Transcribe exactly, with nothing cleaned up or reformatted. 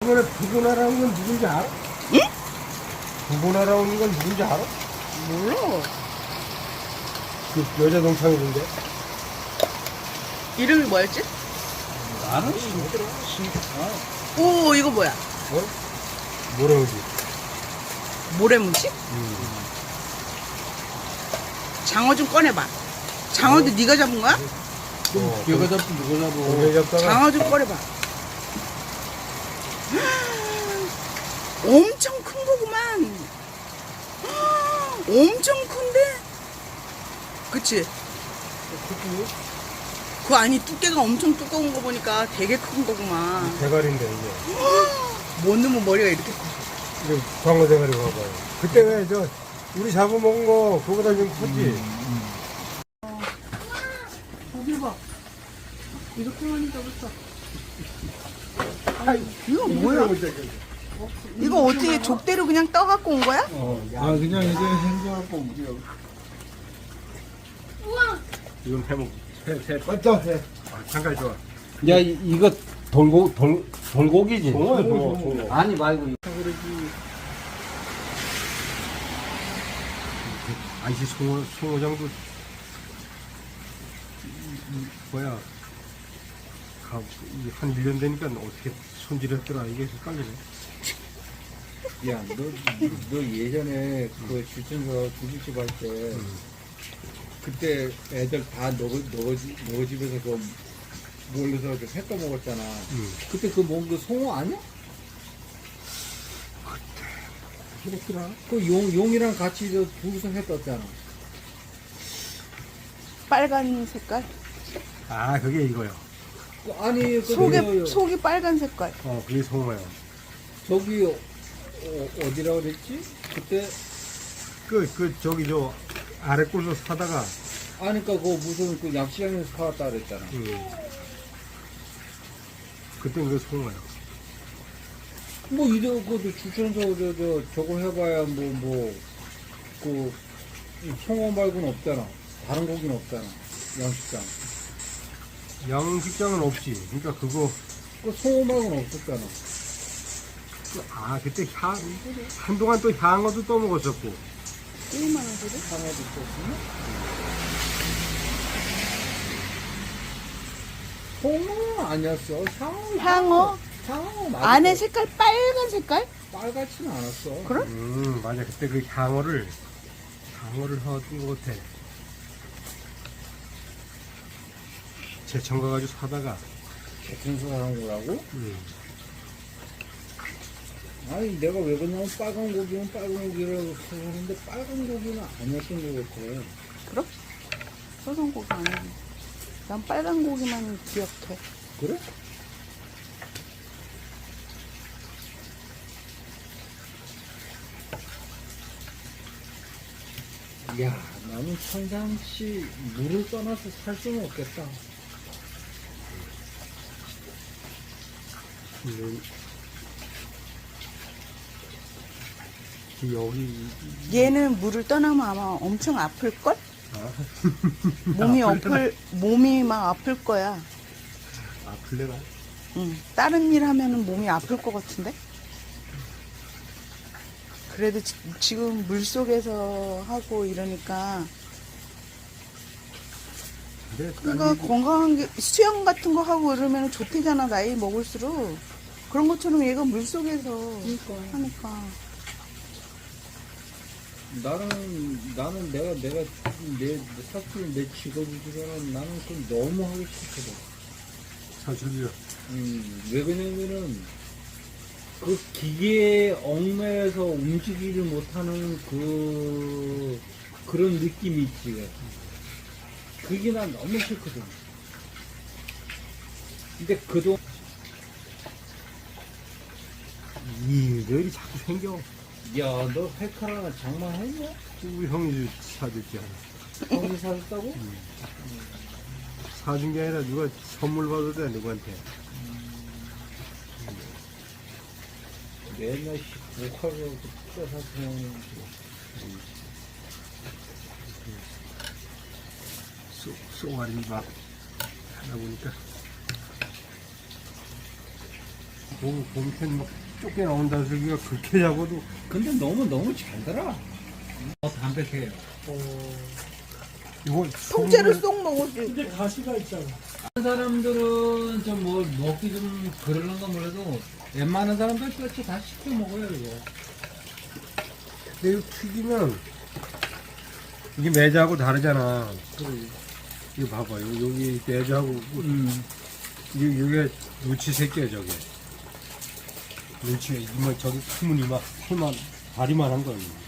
이번에 부고나라는 건 누군지 알아? 응? 부고나라는 건 누군지 알아? 몰라. 그 여자 동창이던데. 이름이 뭐였지? 나는 신기라 신기라. 오, 이거 뭐야? 어? 뭐라는지. 모래무지? 음. 장어 좀 꺼내봐. 장어도 네가 잡은 거야? 어, 걔가 잡고 누가 잡고. 고개 잡다가 장어 좀 꺼내봐. 엄청 큰 거구만. 엄청 큰데? 그치? 크지? 그 안이 두께가 엄청 두꺼운 거 보니까 되게 큰 거구만. 대가리인데 이게. 뭔 놈의 머리가 이렇게 커. 이거 광어 대가리 봐봐요. 그때 왜 저 우리 잡아먹은 거 그거보다 좀 컸지? 거기 봐. 이렇게 많이 잡았어. 이거 뭐야? 이거 어떻게 족대로 그냥 떠갖고 온 거야? 어, 아 그냥 이제 행정하고 우리가. 이건 해먹. 해, 해. 맞다, 해. 아, 잠깐 좋아. 야 이, 이거 돌고 돌 돌고기지. 동어야, 동어, 동어. 아니 말고. 아이씨, 송어, 송어장도, 뭐야, 가, 이게 한 일 년 되니까 어떻게 손질했더라. 이게 헷갈리네. 야, 너, 너 예전에 그 주천서 두부집 할 때, 그때 애들 다 너거, 너거, 집- 너거 집에서 그 몰려서 그 회 떠먹었잖아. 응. 그때 그 뭔 그 송어 아니야? 그렇더라. 그 용, 용이랑 같이 저 둘이서 회 떴잖아. 빨간 색깔? 아, 그게 이거요. 그 아니, 그 속에, 저- 속이 빨간 색깔. 어, 그게 송어요. 저기, 어, 어디라고 그랬지? 그때, 그, 그, 저기, 저, 아래 꼴로 사다가, 아니까 그 무슨 그 약시장에서 사왔다 그랬잖아. 음. 그때 그 송어요. 뭐, 이래, 그, 주천서, 저, 저, 저거 해봐야, 뭐, 뭐, 그, 이 송어 말고는 없잖아. 다른 고기는 없잖아. 양식장. 양식장은 없지. 그러니까 그거, 그 송어 말고는 없었잖아. 그- 아, 그때 향, 한동안 또 향어도 떠먹었었고. 일만 원짜리? 하나도 있었으면? 송어는 아니었어. 향어. 향어? 향어 맞아. 안에 색깔 빨간 색깔? 빨갛지는 않았어. 그래? 음, 맞아. 그때 그 향어를, 향어를 사왔던 것 같아. 제천 가가지고 사다가, 개천서 사는 거라고? 음. 아니, 내가 왜 그러냐면 빨간 고기는 빨간 고기라고 하는데 빨간 고기는 아니었던 것 같아. 그럼? 소송고기 아니지. 난 빨간 고기만 기억해. 그래? 야, 나는 평상시 물을 떠나서 살 수는 없겠다. 음. 여기, 얘는 물을 떠나면 아마 엄청 아플걸? 아, 몸이 아플려나? 아플, 몸이 막 아플 거야. 아플래나? 응. 다른 일 하면은 몸이 아플 것 같은데? 그래도 지, 지금 물 속에서 하고 이러니까. 근데, 그러니까 건강한 게, 수영 같은 거 하고 이러면 좋대잖아, 나이 먹을수록. 그런 것처럼 얘가 물 속에서 하니까. 나는, 나는 내가, 내가, 내, 사실 내 직업이지만 나는 그건 너무 하기 싫거든. 사실이요. 음, 왜 그러냐면은, 그 기계에 얽매여서 움직이지 못하는 그, 그런 느낌이 있지. 그게 난 너무 싫거든. 근데 그동안, 일들이 자꾸 생겨. 야, 너 회칼 하나 장만했냐? 우리 형이 사줬지 않아. 형이 사줬다고? 사준 게 아니라 누가 선물 받아도 돼, 누구한테. 맨날 씨, 목화로 뜯어서 그냥. 쏘, 쏘가리 막 하다 보니까. 봄, 봄캔 막 쫓겨 나온다는 소리가 그렇게 잡아도 근데 너무 너무 잘 달아. 어, 담백해요. 이거 통째로 소금을- 쏙 먹을 수 있고. 근데 가시가 있잖아. 다른 사람들은 좀 뭐 먹기 좀 그러는 건 몰라도 웬만한 사람들 그렇죠 다 시켜 먹어요 이거. 근데 이거 튀기면 이게 매자하고 다르잖아. 이거 봐봐요. 여기 매자하고 음. 이- 이게 눈치 새끼야 저게. 눈치가 이만 저기 크면 이만 이만 다리만 한 거예요.